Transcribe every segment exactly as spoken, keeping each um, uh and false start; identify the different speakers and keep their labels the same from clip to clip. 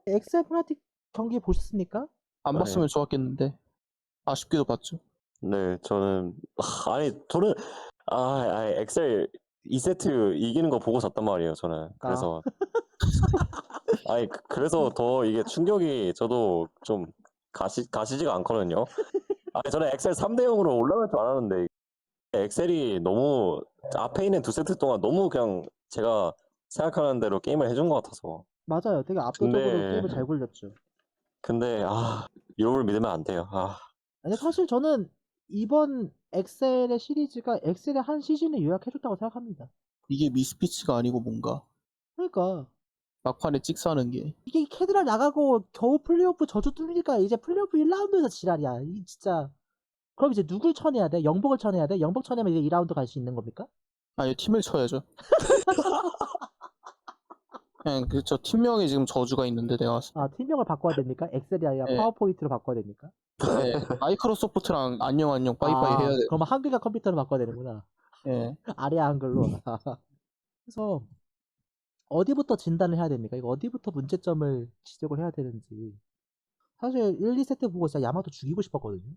Speaker 1: 엑셀 프나틱 경기 보셨습니까?
Speaker 2: 안
Speaker 3: 네.
Speaker 2: 봤으면 좋았겠는데 아쉽게도 봤죠.
Speaker 3: 네, 저는 아, 아니 저는 아, 아 엑셀 이 세트 이기는 거 보고 졌단 말이에요. 저는 그래서 아니 그- 그래서 더 이게 충격이 저도 좀 가시 가시지가 않거든요. 아니 저는 엑셀 삼 대 영으로 올라갈 줄 알았는데 엑셀이 너무 앞에 있는 두 세트 동안 너무 그냥 제가 생각하는 대로 게임을 해준 것 같아서.
Speaker 1: 맞아요. 되게 압도적으로
Speaker 3: 근데-
Speaker 1: 게임을 잘 굴렸죠.
Speaker 3: 근데 아 이걸 믿으면 안 돼요. 아
Speaker 1: 아니 사실 저는 이번 엑셀의 시리즈가 엑셀의 한 시즌을 요약해줬다고 생각합니다.
Speaker 2: 이게 미스피치가 아니고 뭔가
Speaker 1: 그러니까
Speaker 2: 막판에 찍사하는 게
Speaker 1: 이게 캐드랄 나가고 겨우 플레이오프 저주 뚫리니까 이제 플레이오프 일 라운드에서 지랄이야. 이 진짜. 그럼 이제 누굴 쳐내야 돼? 영복을 쳐내야 돼? 영복 쳐내면 이제 이 라운드 갈 수 있는 겁니까?
Speaker 2: 아니 팀을 쳐야죠. 그냥 그 저 팀명에 지금 저주가 있는데 내가
Speaker 1: 아 팀명을 바꿔야 됩니까? 엑셀이 아니라
Speaker 2: 네.
Speaker 1: 파워포인트로 바꿔야 됩니까?
Speaker 2: 네, 마이크로소프트랑 안녕 안녕 빠이빠이
Speaker 1: 아,
Speaker 2: 해야 돼.
Speaker 1: 그럼 한글과 컴퓨터로 바꿔야 되는구나.
Speaker 2: 예.
Speaker 1: 아래 한글로. 그래서 어디부터 진단을 해야 됩니까? 이거 어디부터 문제점을 지적을 해야 되는지. 사실 일, 이 세트 보고 진짜 야마토 죽이고 싶었거든요.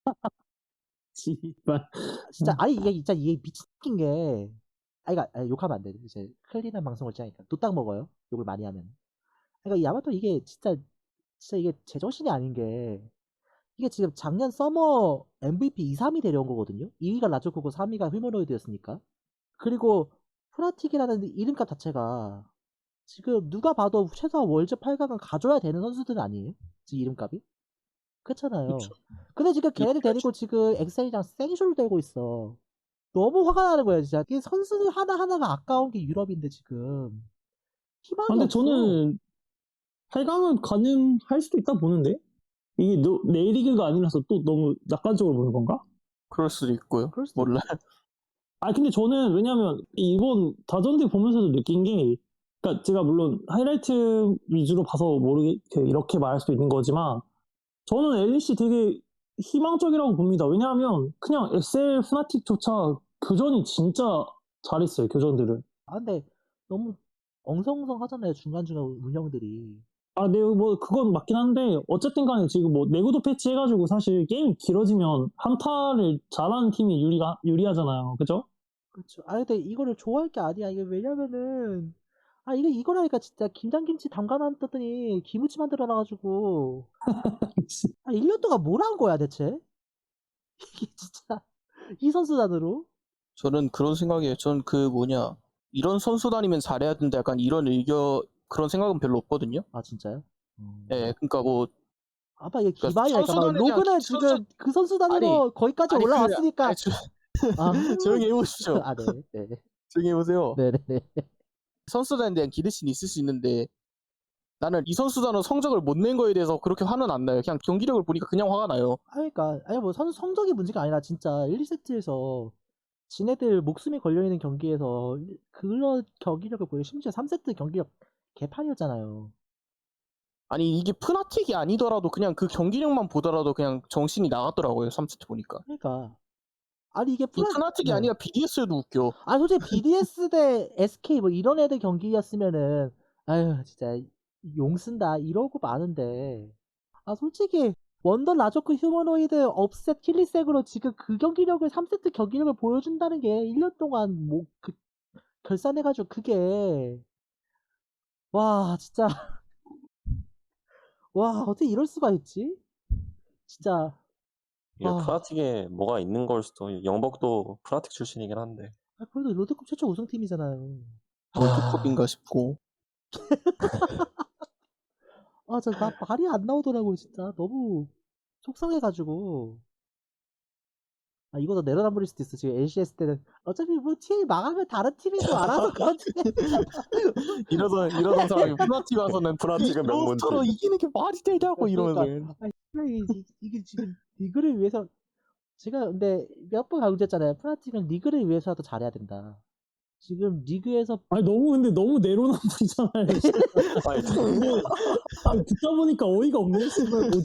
Speaker 4: 씨발.
Speaker 1: 진짜 아니 이게 진짜 이게 미친 게 아니 그러니까 아니, 욕하면 안 돼. 이제 클린한 방송을 짜니까 또 딱 먹어요. 욕을 많이 하면. 그러니까 야마토 이게 진짜 진짜 이게 제정신이 아닌 게 이게 지금 작년 서머 엠브이피 이, 삼이 데려온 거거든요. 이 위가 라조코고 삼 위가 휴머노이드였으니까. 그리고 프라틱이라는 이름값 자체가 지금 누가 봐도 최소한 월즈 팔 강은 가져야 되는 선수들은 아니에요? 지금 이름값이? 그렇잖아요.
Speaker 2: 그쵸.
Speaker 1: 근데 지금 걔네들
Speaker 2: 그렇죠.
Speaker 1: 데리고 지금 엑셀이랑 생쇼를 들고 있어. 너무 화가 나는 거예요, 진짜. 이 선수들 하나하나가 아까운 게 유럽인데 지금. 희망이
Speaker 4: 아, 근데
Speaker 1: 없어.
Speaker 4: 저는 팔 강은 가능할 수도 있다 보는데? 이게 너, 내리그가 아니라서 또 너무 낙관적으로 보는 건가?
Speaker 2: 그럴 수도 있고요.
Speaker 1: 그럴 수도
Speaker 2: 몰라.
Speaker 4: 아, 근데 저는 왜냐면 이번 다전대 보면서도 느낀 게, 그러니까 제가 물론 하이라이트 위주로 봐서 모르게 이렇게 말할 수도 있는 거지만, 저는 엘리씨 되게 희망적이라고 봅니다. 왜냐하면 그냥 엑셀 후나틱조차 교전이 진짜 잘했어요, 교전들을.
Speaker 1: 아, 근데 너무 엉성엉성 하잖아요, 중간중간 운영들이.
Speaker 4: 아, 네, 뭐, 그건 맞긴 한데, 어쨌든 간에 지금 뭐, 내구도 패치 해가지고 사실 게임이 길어지면 한타를 잘하는 팀이 유리가, 유리하잖아요. 그죠?
Speaker 1: 그렇죠. 아, 근데 이거를 좋아할 게 아니야. 이게 왜냐면은, 아, 이거, 이거라니까 진짜 김장김치 담가놨더니 김치 만들어놔가지고. 아, 일 년 동안 뭘 한 거야, 대체? 이게 진짜, 이 선수단으로?
Speaker 2: 저는 그런 생각이에요. 전 그 뭐냐 이런 선수단이면 잘해야 된다. 약간 이런 의견 그런 생각은 별로 없거든요.
Speaker 1: 아, 진짜요? 음.
Speaker 2: 예, 그러니까 뭐
Speaker 1: 아빠 이게
Speaker 2: 그러니까
Speaker 1: 기반이야. 잠깐만,
Speaker 2: 선수단에 대한
Speaker 1: 로그는
Speaker 2: 기-
Speaker 1: 지금
Speaker 2: 선수-
Speaker 1: 그 선수단으로 거기까지
Speaker 2: 아니, 그게-
Speaker 1: 올라왔으니까.
Speaker 2: 아니, 조,
Speaker 1: 아,
Speaker 2: 조용히 해보십시오.
Speaker 1: 아, 네, 네,
Speaker 2: 조용히 해보세요.
Speaker 1: 네, 네, 네.
Speaker 2: 선수단에 대한 기대심이 있을 수 있는데 나는 이 선수단은 성적을 못 낸 거에 대해서 그렇게 화는 안 나요. 그냥 경기력을 보니까 그냥 화가 나요.
Speaker 1: 아, 그러니까 아니 뭐 선수 성적이 문제가 아니라 진짜 일, 이 세트에서 지네들 목숨이 걸려있는 경기에서 그런 경기력을 보여. 심지어 삼 세트 경기력 개판이었잖아요.
Speaker 2: 아니 이게 푸나틱이 아니더라도 그냥 그 경기력만 보더라도 그냥 정신이 나갔더라고요. 삼 세트 보니까.
Speaker 1: 그러니까 아니 이게
Speaker 2: 이
Speaker 1: 프라...
Speaker 2: 푸나틱이
Speaker 1: 네.
Speaker 2: 아니라 비디에스도 웃겨.
Speaker 1: 아니 솔직히 비디에스 대 에스케이 뭐 이런 애들 경기였으면은 아유 진짜 용 쓴다 이러고 마는데 아 솔직히 원더 라조크 휴머노이드 업셋 킬리색으로 지금 그 경기력을 삼 세트 경기력을 보여준다는 게 일 년 동안 뭐 그 결산해가지고 그게 와 진짜 와 어떻게 이럴 수가 있지? 진짜
Speaker 3: 이게
Speaker 1: 아.
Speaker 3: 프라틱에 뭐가 있는 걸 수도 영복도 프라틱 출신이긴 한데
Speaker 1: 아, 그래도 롤드컵 최초 우승팀이잖아요.
Speaker 2: 월드컵인가 싶고.
Speaker 1: 아, 진짜 나 말이 안 나오더라고요, 진짜. 너무 속상해가지고. 아, 이거도 내로남불일 수도 있어. 지금 엘씨에스 때는 어차피 뭐 티엘 망하면 다른 팀에서 알아서 그런지.
Speaker 2: 이러던 이러던 사람이 푸나틱 와서는
Speaker 3: 프라틱은 명문팀.
Speaker 2: 로스터로 이기는 게 말이 되냐고 이러면서.
Speaker 1: 그러니까, 아, 이, 이, 이게 지금 리그를 위해서 제가 근데 몇 번 강조했잖아요. 프라틱은 리그를 위해서라도 잘해야 된다. 지금 리그에서
Speaker 4: 아니, 너무, 근데 너무 내로남불이잖아요.
Speaker 3: 아니,
Speaker 4: 아니, 듣다 보니까 어이가 없네. 씨발, 뭐지?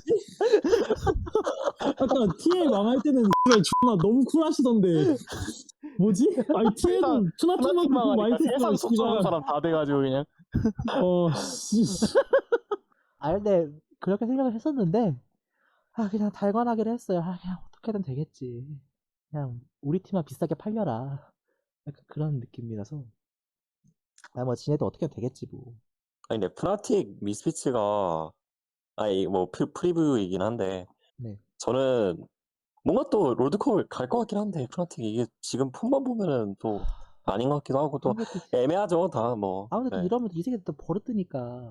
Speaker 4: 아까 티엘 망할 때는 씨발 존나 너무 쿨하시던데. 뭐지? 아니, 티엘은 투나틱만큼
Speaker 2: 푸나틱만
Speaker 4: 많이
Speaker 2: 하니까 세상
Speaker 4: 썼어,
Speaker 2: 속 쏘는
Speaker 4: 씨발.
Speaker 2: 사람 다 돼가지고 그냥.
Speaker 4: 어, 씨.
Speaker 1: 아 근데 그렇게 생각을 했었는데 아 그냥 달관하기로 했어요. 아 그냥 어떻게든 되겠지. 그냥 우리 팀만 비싸게 팔려라. 약간 그런 느낌이라서 아 뭐 지네도 어떻게든 되겠지 뭐.
Speaker 3: 아니 근데 푸나틱 미스피츠가 아니 뭐 프, 프리뷰이긴 한데
Speaker 1: 네.
Speaker 3: 저는 뭔가 또 롤드컵을 갈 것 같긴 한데 푸나틱이 이게 지금 폼만 보면은 또 아닌 것 같기도 하고
Speaker 1: 아
Speaker 3: 또
Speaker 1: 근데 또
Speaker 3: 애매하죠 다 뭐.
Speaker 1: 아 근데 또
Speaker 3: 네.
Speaker 1: 이러면 이 새끼 또 버릇드니까.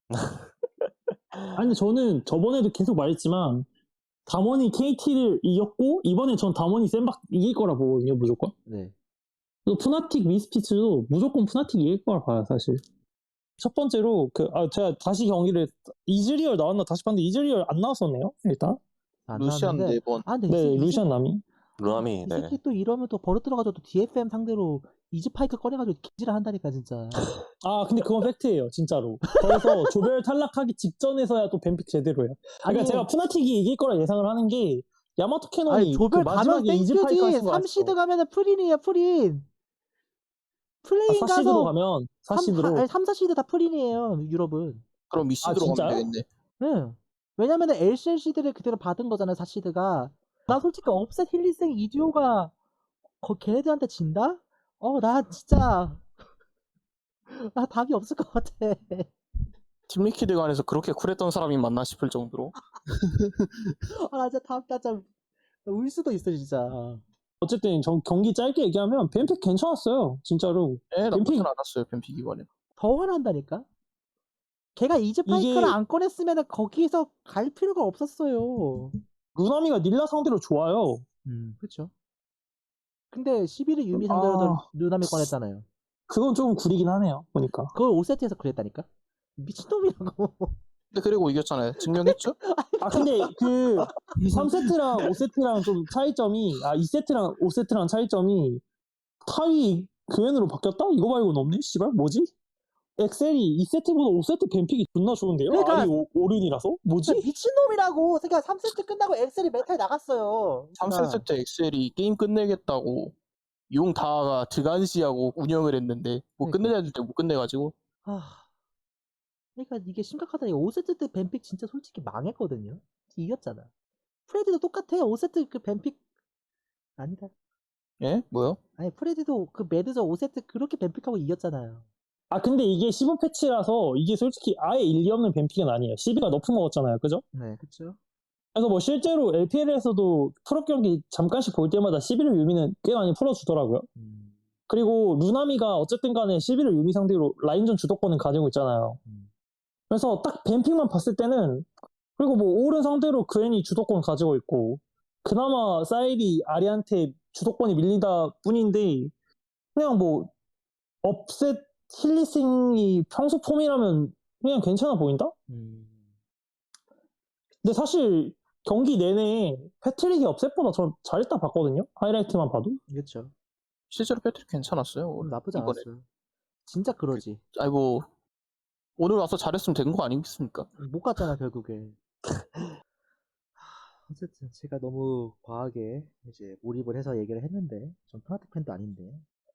Speaker 4: 아니, 저는 저번에도 계속 말했지만, 담원이 케이티를 이겼고, 이번에 전 담원이 센박 이길 거라 보거든요, 무조건.
Speaker 1: 네.
Speaker 4: 또 푸나틱 미스피츠도 무조건 푸나틱 이길 거라 봐요, 사실. 첫 번째로, 그, 아, 제가 다시 경기를, 이즈리얼 나왔나 다시 봤는데, 이즈리얼 안 나왔었네요, 일단.
Speaker 1: 안
Speaker 2: 루시안
Speaker 1: 나왔는데
Speaker 2: 네 번.
Speaker 1: 아 근데 이,
Speaker 4: 네,
Speaker 1: 새끼- 이,
Speaker 4: 루시안
Speaker 1: 새끼-
Speaker 4: 남이.
Speaker 3: 루나미
Speaker 1: 이
Speaker 3: 네.
Speaker 1: 새끼 또 이러면 또 버릇 들어가지고 또 디에프엠 상대로 이즈파이크 꺼내가지고 개지를 한다니까 진짜.
Speaker 4: 아, 근데 그건 팩트예요, 진짜로. 그래서 조별 탈락하기 직전에서야 또 뱀픽 제대로 해요. 그러니까
Speaker 1: 아니,
Speaker 4: 제가 푸나틱이 이길 거라 예상을 하는 게, 야마토 캐논이
Speaker 1: 아니 조별
Speaker 4: 그
Speaker 1: 가면
Speaker 4: 마지막에 이즈파이크
Speaker 1: 땡큐지.
Speaker 4: 하신 거
Speaker 1: 삼
Speaker 4: 아시죠?
Speaker 1: 시드 가면은 프린이에요 프린.
Speaker 4: 아,
Speaker 1: 플레인
Speaker 4: 사 시드로
Speaker 1: 가서
Speaker 4: 가면, 사
Speaker 1: 삼,
Speaker 4: 시드로.
Speaker 1: 아니, 삼, 사 시드 다 프린이에요 유럽은.
Speaker 2: 그럼 이 시드로
Speaker 4: 진짜요?
Speaker 2: 가면 되겠네.
Speaker 1: 응. 왜냐면은 엘씨엘 시드를 그대로 받은 거잖아요 사 시드가. 나 솔직히 업셋 힐리생 이듀오가 거 걔네들한테 진다? 어 나 진짜 나 답이 없을 것 같아.
Speaker 2: 팀 리퀴드 간에서 그렇게 쿨했던 사람이 맞나 싶을 정도로.
Speaker 1: 아 나 진짜 답 나 진짜 울 수도 있어 진짜.
Speaker 4: 어쨌든 정- 경기 짧게 얘기하면 뱀픽 괜찮았어요, 진짜로.
Speaker 2: 예, 나쁘진
Speaker 4: 뱀픽-
Speaker 2: 않았어요, 뱀픽 이번에.
Speaker 1: 더 화난다니까? 걔가 이즈파이크를
Speaker 4: 이게-
Speaker 1: 안 꺼냈으면 거기서 갈 필요가 없었어요.
Speaker 4: 루나미가 닐라 상대로 좋아요.
Speaker 1: 음, 그쵸. 근데 십일 일 유미 상대로도
Speaker 4: 아.
Speaker 1: 누나미 꺼냈잖아요.
Speaker 4: 그건 좀 구리긴 하네요, 보니까.
Speaker 1: 그걸 오 세트에서 그랬다니까? 미친놈이라고.
Speaker 2: 근데 그리고 이겼잖아요. 증명했죠?
Speaker 4: 아, 근데 그 삼 세트랑 오 세트랑 좀 차이점이, 아, 이 세트랑 오 세트랑 차이점이 타이 교환으로 바뀌었다? 이거 말고는 없네? 씨발, 뭐지? 엑셀이 이 세트보다 오 세트 뱀픽이 존나 좋은데요?
Speaker 1: 그러니까-
Speaker 4: 아리 오- 오른이라서? 뭐지?
Speaker 1: 진짜 미친놈이라고. 그러니까 삼 세트 끝나고 엑셀이 메탈 나갔어요.
Speaker 2: 삼
Speaker 1: 그러니까
Speaker 2: 세트 때 엑셀이 게임 끝내겠다고 용 다가 드간시하고 운영을 했는데 뭐
Speaker 1: 그러니까.
Speaker 2: 끝내야 될 때 못 끝내가지고.
Speaker 1: 아, 그러니까 이게 심각하다니까. 오 세트 때 뱀픽 진짜 솔직히 망했거든요. 이겼잖아. 프레디도 똑같아. 오 세트 그 뱀픽 아니다.
Speaker 2: 예? 뭐요?
Speaker 1: 아니 프레디도 그 매드저 오 세트 그렇게 뱀픽하고 이겼잖아요.
Speaker 4: 아, 근데 이게 십오 패치라서 이게 솔직히 아예 일리 없는 뱀픽은 아니에요. 십이가 너프 먹었잖아요, 그죠?
Speaker 1: 네, 그쵸.
Speaker 4: 그래서 뭐 실제로 엘피엘에서도 프로 경기 잠깐씩 볼 때마다 십일 유미는 꽤 많이 풀어주더라고요.
Speaker 1: 음,
Speaker 4: 그리고 루나미가 어쨌든 간에 십일 유미 상대로 라인전 주도권을 가지고 있잖아요.
Speaker 1: 음.
Speaker 4: 그래서 딱 뱀픽만 봤을 때는, 그리고 뭐 오른 상대로 그앤이 주도권 가지고 있고, 그나마 사이리 아리한테 주도권이 밀리다 뿐인데, 그냥 뭐 업셋 힐리싱이 평소 폼이라면 그냥 괜찮아 보인다?
Speaker 1: 음.
Speaker 4: 근데 사실 경기 내내 패트릭이 업셋보다 전 잘했다 봤거든요. 하이라이트만 봐도.
Speaker 1: 그쵸.
Speaker 2: 실제로 패트릭 괜찮았어요.
Speaker 1: 음, 나쁘지
Speaker 2: 이번에.
Speaker 1: 않았어요. 진짜 그러지.
Speaker 2: 아이고 오늘 와서 잘했으면 된 거 아니겠습니까?
Speaker 1: 못 갔잖아 결국에. 하, 어쨌든 제가 너무 과하게 이제 몰입을 해서 얘기를 했는데 전 프나틱 팬도 아닌데.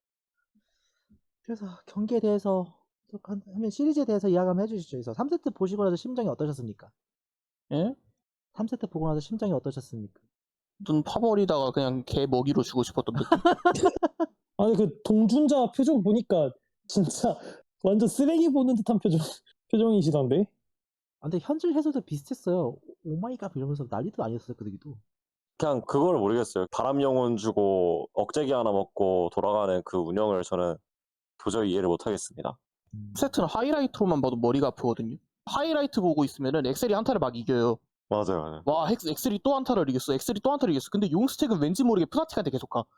Speaker 1: 그래서 경기에 대해서 또 한- 하면 시리즈에 대해서 이야기 한번 해주시죠. 그래서 삼 세트 보시고 나서 심정이 어떠셨습니까?
Speaker 2: 예?
Speaker 1: 삼 세트 보고 나서 심정이 어떠셨습니까?
Speaker 2: 눈 파버리다가 그냥 개 먹이로 주고 싶었던 느낌.
Speaker 4: 아니 그 동준자 표정 보니까 진짜 완전 쓰레기 보는 듯한 표정 표정이시던데.
Speaker 1: 아, 근데 현질 해설도 비슷했어요. 오마이갓 이러면서 난리도 아니었어요 그 얘기도.
Speaker 3: 그냥 그걸 모르겠어요. 바람 영혼 주고 억제기 하나 먹고 돌아가는 그 운영을 저는 도저히 이해를 못 하겠습니다.
Speaker 1: 음.
Speaker 2: 세트는 하이라이트로만 봐도 머리가 아프거든요. 하이라이트 보고 있으면은 엑셀이 한타를 막 이겨요.
Speaker 3: 맞아요, 맞아요.
Speaker 2: 와 엑- 엑셀이 또 한타를 이겼어. 엑셀이 또 한타를 이겼어. 근데 용스택은 왠지 모르게 푸나틱한테 계속 가.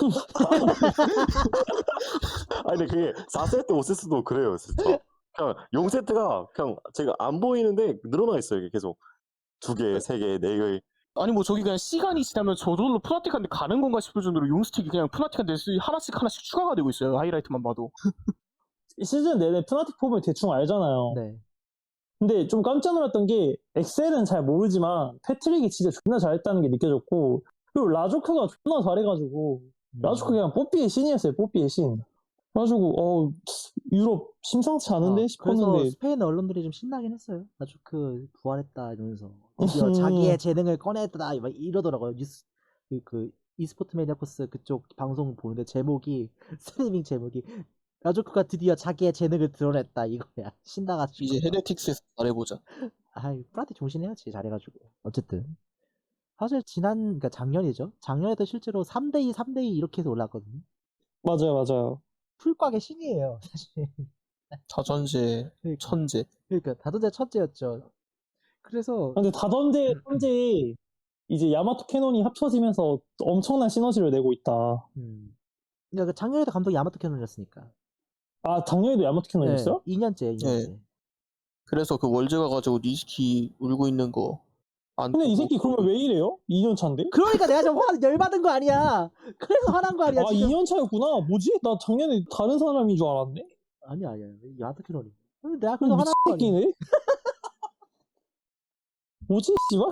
Speaker 3: 아니 근데 그게 사 세트, 오 세트도 그래요, 진짜. 그냥 용 세트가 그냥 제가 안 보이는데 늘어나 있어요, 이게 계속. 두 개, 세 개, 네 개.
Speaker 2: 아니 뭐 저기 그냥 시간이 지나면 저절로 푸나틱한테 가는 건가 싶을 정도로 용스택이 그냥 푸나틱한테 하나씩 하나씩 추가가 되고 있어요. 하이라이트만 봐도.
Speaker 4: 시즌 내내 푸나틱 폼을 대충 알잖아요.
Speaker 1: 네.
Speaker 4: 근데 좀 깜짝 놀랐던 게 엑셀은 잘 모르지만 패트릭이 진짜 존나 잘했다는 게 느껴졌고, 그리고 라조크가 존나 잘해가지고
Speaker 1: 음.
Speaker 4: 라조크 그냥 뽀삐의 신이었어요. 뽀삐의 신. 그래가지고 어 유럽 심상치 않은데
Speaker 1: 어, 그래서
Speaker 4: 싶었는데
Speaker 1: 스페인 언론들이 좀 신나긴 했어요. 아주 그 부활했다 이러면서 드디어 자기의 재능을 꺼냈다 막 이러더라고요. 뉴스 그, 그 e스포츠 매니아코스 그쪽 방송 보는데 제목이 스트리밍 제목이 라조크가 드디어 자기의 재능을 드러냈다 이거야. 신나가지고.
Speaker 2: 이제 헤레틱스에서 잘해보자.
Speaker 1: 아이 프라티 종신해야지 잘해가지고. 어쨌든 사실 지난 그러니까 작년이죠. 작년에도 실제로 삼 대 이, 삼 대 이 이렇게 해서 올랐거든요.
Speaker 4: 맞아요, 맞아요.
Speaker 1: 풀곽의 신이에요 사실.
Speaker 2: 자전제,
Speaker 1: 그러니까,
Speaker 2: 천재.
Speaker 1: 그러니까 다도제 첫째였죠. 그래서
Speaker 4: 근데 다던데 현재 이제 야마토 캐논이 합쳐지면서 엄청난 시너지를 내고 있다.
Speaker 1: 음. 그러니까 그 작년에도 감독이 야마토 캐논이었으니까.
Speaker 4: 아 작년에도 야마토
Speaker 1: 네,
Speaker 4: 캐논이었어요?
Speaker 1: 이 년째, 이 년째.
Speaker 2: 네. 그래서 그 월즈 가가지고 니시키 울고 있는 거 안
Speaker 4: 근데 이
Speaker 2: 보고
Speaker 4: 새끼 그러면 왜 이래요? 이 년 차인데?
Speaker 1: 그러니까 내가 좀 화, 열받은 거 아니야. 그래서 화난 거 아니야
Speaker 4: 아
Speaker 1: 지금.
Speaker 4: 이 년 차였구나. 뭐지? 나 작년에 다른 사람인 줄 알았네.
Speaker 1: 아니야, 아니야. 야마토 캐논이. 근데 내가
Speaker 4: 그럼
Speaker 1: 그래서
Speaker 4: 미친
Speaker 1: 화난 거 아니야.
Speaker 4: 새끼네? 뭐지 씨발?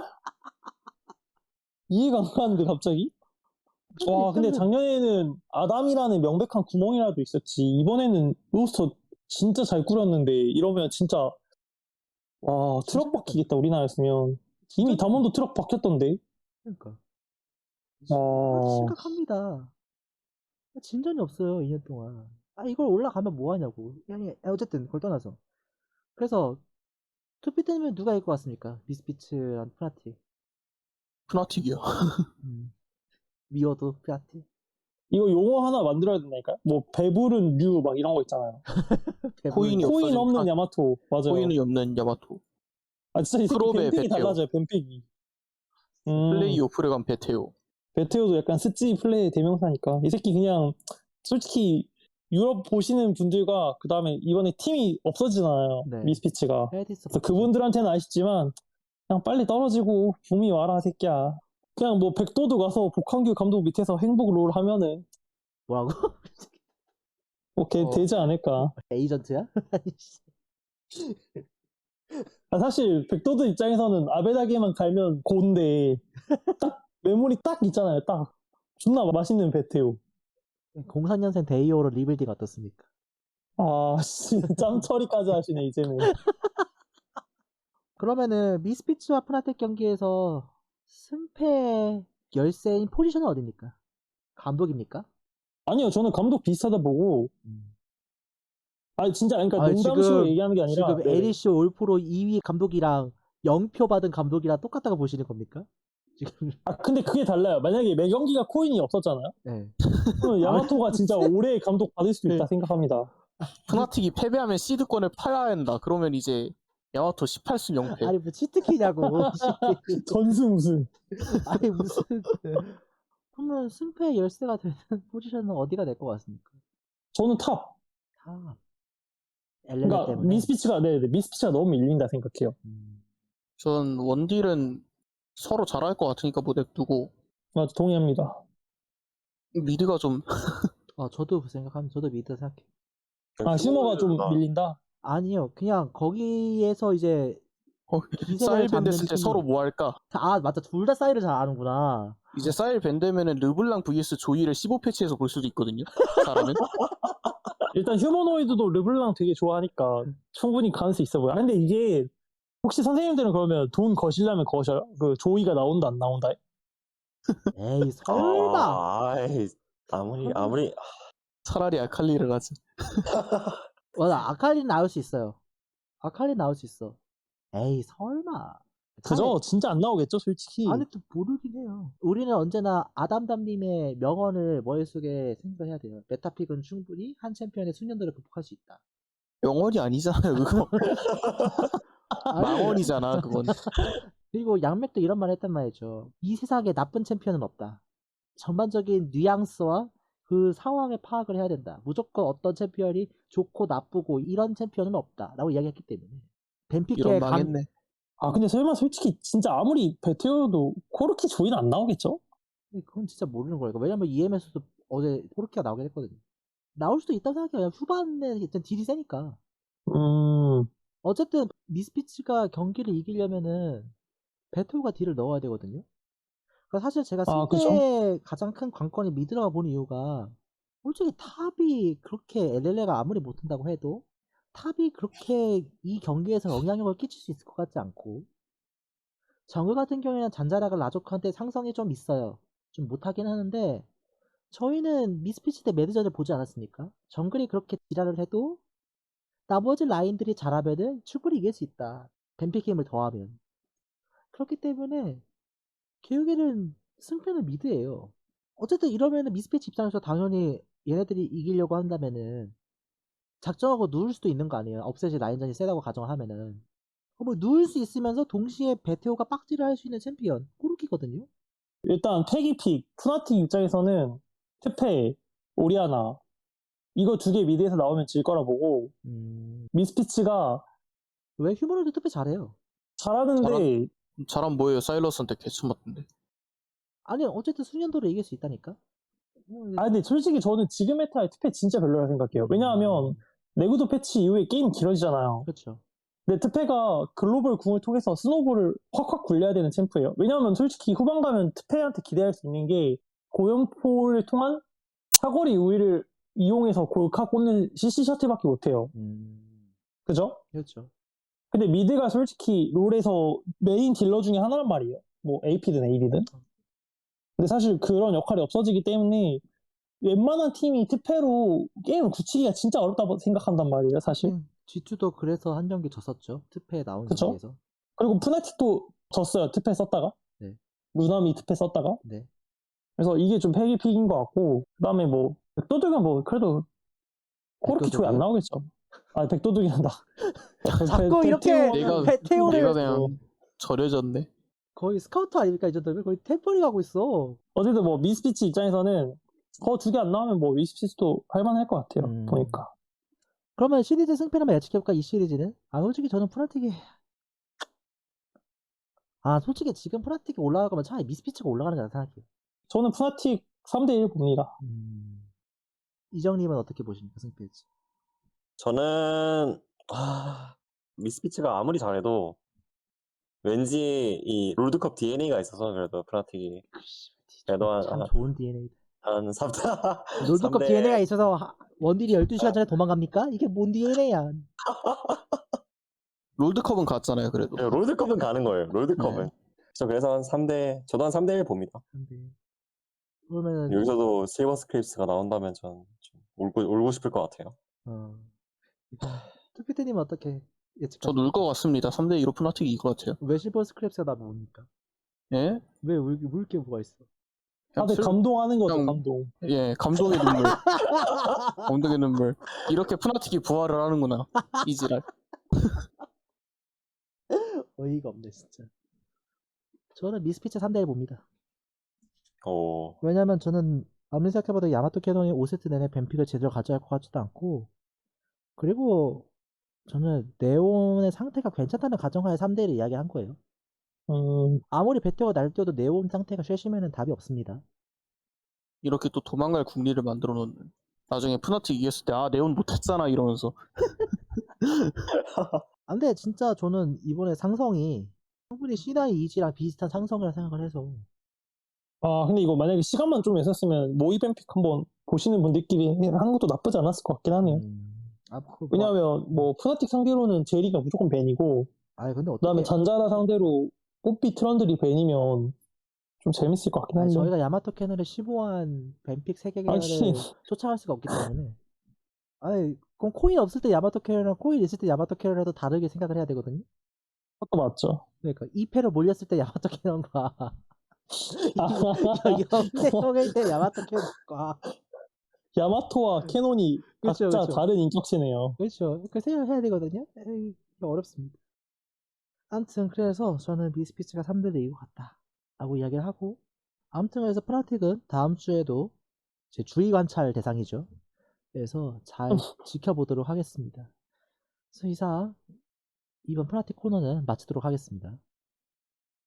Speaker 4: 이해가 안 가는데 갑자기? 와 근데
Speaker 1: 일단은
Speaker 4: 작년에는 아담이라는 명백한 구멍이라도 있었지. 이번에는 로스터 진짜 잘 꾸렸는데 이러면 진짜 와 트럭
Speaker 1: 진짜
Speaker 4: 박히겠다 우리나라였으면. 이미
Speaker 1: 진짜
Speaker 4: 담원도 트럭 박혔던데.
Speaker 1: 그러니까.
Speaker 4: 어...
Speaker 1: 심각합니다. 진전이 없어요, 이 년 동안. 아, 이걸 올라가면 뭐 하냐고. 아니, 어쨌든 그걸 떠나서. 그래서 투피 때문에 누가 이길 것 같습니까? 미스피츠랑 프라티.
Speaker 2: 프나틱이요.
Speaker 1: 음. 미워도 프라티.
Speaker 4: 이거 용어 하나 만들어야 된다니까? 뭐 배부른 류 막 이런 거 있잖아요.
Speaker 2: 코인이
Speaker 4: 코인
Speaker 2: 없어진
Speaker 4: 없는
Speaker 2: 프라-
Speaker 4: 야마토. 맞아요.
Speaker 2: 코인이 없는 야마토.
Speaker 4: 아 진짜 이 새끼
Speaker 2: 프로베
Speaker 4: 뱀픽이
Speaker 2: 베테오.
Speaker 4: 달라져요. 뱀픽이. 음,
Speaker 2: 플레이 오프레간 베테오.
Speaker 4: 베테오도 약간 스찌 플레이 대명사니까 이 새끼 그냥 솔직히 유럽 보시는 분들과 그 다음에 이번에 팀이 없어지잖아요.
Speaker 1: 네.
Speaker 4: 미스피츠가.
Speaker 1: 헤디스
Speaker 4: 그래서 그분들한테는 아시지만 그냥 빨리 떨어지고 붐이 와라 새끼야. 그냥 뭐 백도도 가서 복한규 감독 밑에서 행복 롤 하면은
Speaker 1: 뭐라고?
Speaker 4: 뭐 걔
Speaker 1: 어.
Speaker 4: 되지 않을까.
Speaker 1: 에이전트야? 아니, 씨.
Speaker 4: 아, 사실 백도드 입장에서는 아베다게만 갈면 고인데 딱 메모리 딱 있잖아요. 딱 존나 맛있는 베테오.
Speaker 1: 공삼 년생 데이오로 리빌딩 어떻습니까?
Speaker 4: 아, 씨, 짬 처리까지 하시네, 이제는.
Speaker 1: 그러면은 미스피츠와 프나텍 경기에서 승패 열세인 포지션은 어디입니까? 감독입니까?
Speaker 4: 아니요, 저는 감독 비슷하다 보고,
Speaker 1: 음.
Speaker 4: 아니, 진짜, 그러니까
Speaker 1: 아,
Speaker 4: 농담식으로
Speaker 1: 지금-
Speaker 4: 얘기하는 게 아니라,
Speaker 1: 지금
Speaker 4: 네네.
Speaker 1: 에리쇼 올프로 이 위 감독이랑 영 표 받은 감독이랑 똑같다고 보시는 겁니까? 지금
Speaker 4: 아, 근데 그게 달라요. 만약에 매 경기가 코인이 없었잖아요?
Speaker 1: 네.
Speaker 4: 그러면 야마토가 진짜 올해 감독 받을 수도 있다 생각합니다.
Speaker 2: 프나틱이 패배하면 시드권을 팔아야 한다. 그러면 이제 야마토 십팔 승 영 패.
Speaker 1: 아니 뭐 치트키냐고.
Speaker 4: 전승 우승.
Speaker 1: 아니 무슨 그러면 승패 열세가 되는 포지션은 어디가 될 것 같습니까?
Speaker 4: 저는 탑.
Speaker 1: 다 엘렐레
Speaker 4: 그러니까
Speaker 1: 때문에.
Speaker 4: 미스피치가, 네, 네, 미스피치가 너무 밀린다 생각해요.
Speaker 1: 음.
Speaker 2: 전 원딜은 서로 잘할 것 같으니까 뭐 냅두고
Speaker 4: 맞아, 동의합니다.
Speaker 2: 미드가 좀
Speaker 1: 어 저도 그 생각합니다. 저도 미드 생각해.
Speaker 4: 아, 슈머가 좀
Speaker 3: 나-
Speaker 4: 밀린다?
Speaker 1: 아니요, 그냥 거기에서 이제
Speaker 2: 어,
Speaker 1: 기세를
Speaker 2: 사일
Speaker 1: 잡는
Speaker 2: 밴드 쓸 때
Speaker 1: 팀이-
Speaker 2: 서로 뭐 할까?
Speaker 1: 아 맞다, 둘 다 사이를 잘 아는구나.
Speaker 2: 이제 사일 밴드면은 르블랑 vs 조이를 십오 패치에서 볼 수도 있거든요. 잘하면.
Speaker 4: 일단 휴머노이드도 르블랑 되게 좋아하니까 충분히 가능성 있어 보여. 아, 근데 이게 혹시 선생님들은 그러면 돈 거시려면 거셔요? 그 조이가 나온다 안 나온다?
Speaker 1: 에이 설마.
Speaker 3: 아, 아이, 아무리 아무리
Speaker 2: 차라리 아칼리를 하지.
Speaker 1: 맞아, 아칼리 나올 수 있어요. 아칼리 나올 수 있어. 에이 설마.
Speaker 4: 그죠? 진짜 안 나오겠죠, 솔직히.
Speaker 1: 아니 또 모르긴 해요. 우리는 언제나 아담담님의 명언을 머릿속에 생각해야 돼요. 메타픽은 충분히 한 챔피언의 숙련도를 극복할 수 있다.
Speaker 2: 영원이 아니잖아요, 그거.
Speaker 1: 아니,
Speaker 2: 망원이잖아, 그건.
Speaker 1: 그리고 양맥도 이런 말 했단 말이죠. 이 세상에 나쁜 챔피언은 없다. 전반적인 뉘앙스와 그 상황의 파악을 해야 된다. 무조건 어떤 챔피언이 좋고 나쁘고 이런 챔피언은 없다. 라고 이야기했기 때문에.
Speaker 2: 이런
Speaker 1: 벤피케의 강...
Speaker 2: 망했네.
Speaker 4: 아, 근데 설마 솔직히 진짜 아무리 베테오도 코르키 조이는 안 나오겠죠?
Speaker 1: 그건 진짜 모르는 거예요. 왜냐면 이엠에서도 어제 포르키가 나오긴 했거든요. 나올 수도 있다고 생각해요. 후반에 일단 딜이 세니까.
Speaker 4: 음,
Speaker 1: 어쨌든 미스피츠가 경기를 이기려면은 베토가 딜을 넣어야 되거든요. 그러니까 사실 제가
Speaker 4: 아,
Speaker 1: 승패의 가장 큰 관건이 미드라고 보는 이유가 솔직히 탑이 그렇게 엘엘에이가 아무리 못한다고 해도 탑이 그렇게 이 경기에서 영향력을 끼칠 수 있을 것 같지 않고 정글 같은 경우에는 잔자라가 라조크한테 상성이 좀 있어요. 좀 못하긴 하는데 저희는 미스피치 대 매드전을 보지 않았습니까? 정글이 그렇게 지랄을 해도 나머지 라인들이 잘하면은 충분히 이길 수 있다. 뱀픽 힘을 더하면. 그렇기 때문에 결국에는 승패는 미드예요. 어쨌든 이러면은 미스피치 입장에서 당연히 얘네들이 이기려고 한다면은 작정하고 누울 수도 있는 거 아니에요. 업셋이 라인전이 세다고 가정하면은. 뭐 누울 수 있으면서 동시에 베테오가 빡질을 할 수 있는 챔피언 그렇게거든요.
Speaker 4: 일단 패기픽 푸나틱 입장에서는 트페, 오리아나 이거 두 개 미드에서 나오면 질 거라 보고
Speaker 1: 음...
Speaker 4: 미스피치가
Speaker 1: 왜 휴머노드 투표 잘해요?
Speaker 4: 잘하는데
Speaker 2: 잘하면 뭐예요? 사일러스한테 개수 맞던데.
Speaker 1: 아니 어쨌든 수년도로 이길 수 있다니까. 뭐,
Speaker 4: 아 근데 솔직히 저는 지금 메타의 투페 진짜 별로라 생각해요. 왜냐하면 내구도 패치 이후에 게임 길어지잖아요.
Speaker 1: 그렇죠.
Speaker 4: 근데 트페가 글로벌 궁을 통해서 스노볼을 확확 굴려야 되는 챔프예요. 왜냐하면 솔직히 후반 가면 트페한테 기대할 수 있는 게 고연포를 통한 사거리 우위를 이용해서 골카 꽂는 씨씨 셔틀밖에 못해요.
Speaker 1: 음...
Speaker 4: 그죠?
Speaker 1: 그렇죠.
Speaker 4: 근데 미드가 솔직히 롤에서 메인 딜러 중에 하나란 말이에요. 뭐 에이피든 에이디든. 근데 사실 그런 역할이 없어지기 때문에 웬만한 팀이 트페로 게임을 굳히기가 진짜 어렵다고 생각한단 말이에요, 사실.
Speaker 1: 음, 지투도 그래서 한 경기 졌었죠. 투페에 나온
Speaker 4: 그쵸?
Speaker 1: 경기에서.
Speaker 4: 그리고 푸나틱도 졌어요, 트페 썼다가.
Speaker 1: 네.
Speaker 4: 루나미 트페 썼다가.
Speaker 1: 네.
Speaker 4: 그래서 이게 좀 패기픽인 것 같고, 그 다음에 뭐, 백도둑은 뭐, 그래도 그렇게 조회 안
Speaker 1: 백도둑이요?
Speaker 4: 나오겠죠. 아, 백도둑이란다.
Speaker 1: 자꾸 이렇게
Speaker 2: 내가-
Speaker 1: 베테오를
Speaker 2: 내가 그냥 절여졌네.
Speaker 1: 거의 스카우터 아닙니까 이 정도면? 거의 템퍼링 하고 있어.
Speaker 4: 어쨌든 뭐, 미스피치 입장에서는 그 두 개 안 나오면 뭐, 미스피치도 할만할 것 같아요,
Speaker 1: 음.
Speaker 4: 보니까.
Speaker 1: 그러면 시리즈 승패를 한번 예측해볼까? 이 시리즈는? 아 솔직히 저는 프나틱이 아 솔직히 지금 프나틱이 올라갈 거면 차라리 미스피치가 올라가는 게 낫다 생각해요.
Speaker 4: 저는 푸나틱 삼 대 일 봅니다.
Speaker 1: 음... 이정님은 어떻게 보십니까 승패지?
Speaker 3: 저는 아, 미스피치가 아무리 잘해도 왠지 이 롤드컵 디엔에이가 있어서 그래도 프나틱이 그래도 한,
Speaker 1: 참
Speaker 3: 한,
Speaker 1: 좋은 디엔에이.
Speaker 3: 한 삼 대
Speaker 1: 롤드컵
Speaker 3: 삼 대
Speaker 1: 디엔에이가 있어서 하- 원딜이 열두 시간 전에 도망갑니까? 이게 뭔 디엔에이야?
Speaker 2: 롤드컵은 갔잖아요, 그래도.
Speaker 3: 네, 롤드컵은 가는 거예요. 롤드컵은.
Speaker 2: 네.
Speaker 3: 저 그래서 한 삼 대 저도 한 삼 대 일 봅니다.
Speaker 1: 근데 그러면
Speaker 3: 여기서도 실버 스크립스가 나온다면 전 좀 울고 울고 싶을 것 같아요.
Speaker 1: 어... 투피트님은 어떻게 예측하세요?
Speaker 2: 저 놀 것 같습니다. 삼 대 이로 푸나틱이 이길 것 같아요.
Speaker 1: 왜 실버 스크랩스가 나면 뭡니까?
Speaker 2: 예?
Speaker 1: 왜 울, 울게 뭐가 있어?
Speaker 4: 다들
Speaker 2: 슬-
Speaker 4: 감동하는 거죠,
Speaker 2: 그냥-
Speaker 4: 감동.
Speaker 2: 예, 감동의 눈물. 감동의 눈물. 이렇게 푸나틱이 부활을 하는구나. 이지랄.
Speaker 1: 어이가 없네 진짜. 저는 미스피치 삼 대 일 봅니다.
Speaker 3: 오,
Speaker 1: 왜냐면 저는 아무리 생각해봐도 야마토 캐논이 오 세트 내내 뱀픽을 제대로 가져갈 것 같지도 않고 그리고 저는 네온의 상태가 괜찮다는 가정하에 삼 대 일을 이야기한 거예요.
Speaker 4: 음,
Speaker 1: 아무리 베테오가 날뛰어도 네온 상태가 쉐시면은 답이 없습니다.
Speaker 2: 이렇게 또 도망갈 궁리를 만들어 놓는. 나중에 푸나틱 이겼을 때, 아, 네온 못했잖아, 이러면서.
Speaker 1: 아, 근데 진짜 저는 이번에 상성이 충분히 시나이 이지랑 비슷한 상성이라 생각을 해서
Speaker 4: 아, 근데 이거 만약에 시간만 좀 있었으면 모의 뱀픽 한번 보시는 분들끼리 하는 것도 나쁘지 않았을 것 같긴 하네요.
Speaker 1: 음... 아, 그 뭐...
Speaker 4: 왜냐하면 뭐 푸나틱 상대로는 제리가 무조건 벤이고
Speaker 1: 아니 근데
Speaker 4: 그 다음에
Speaker 1: 어떻게
Speaker 4: 잔자라 상대로 뽀삐 트런들이 벤이면 좀 재밌을 것 같긴
Speaker 1: 아니,
Speaker 4: 한데.
Speaker 1: 저희가 야마토 캐논의 십오한 뱀픽 세 개를
Speaker 4: 아니.
Speaker 1: 쫓아갈 수가 없기 때문에 아니 그럼 코인 없을 때 야마토 캐논이랑 코인 있을 때 야마토 캐논을 해도 다르게 생각을 해야 되거든요.
Speaker 4: 그것도 맞죠.
Speaker 1: 그러니까 이 패로 몰렸을 때 야마토 캐논과 영대 형일 때 야마토 캐논과
Speaker 4: 야마토와 캐논이
Speaker 1: 그렇죠,
Speaker 4: 각자
Speaker 1: 그렇죠.
Speaker 4: 다른 인격체네요.
Speaker 1: 그렇죠. 그 생각을 해야 되거든요. 에이, 어렵습니다. 아무튼 그래서 저는 미스피치가 삼 대 일 이고 같다 라고 이야기를 하고 아무튼 그래서 프나틱은 다음 주에도 제 주의 관찰 대상이죠. 그래서 잘 지켜보도록 하겠습니다. 그래서 이상 이번 프나틱 코너는 마치도록 하겠습니다.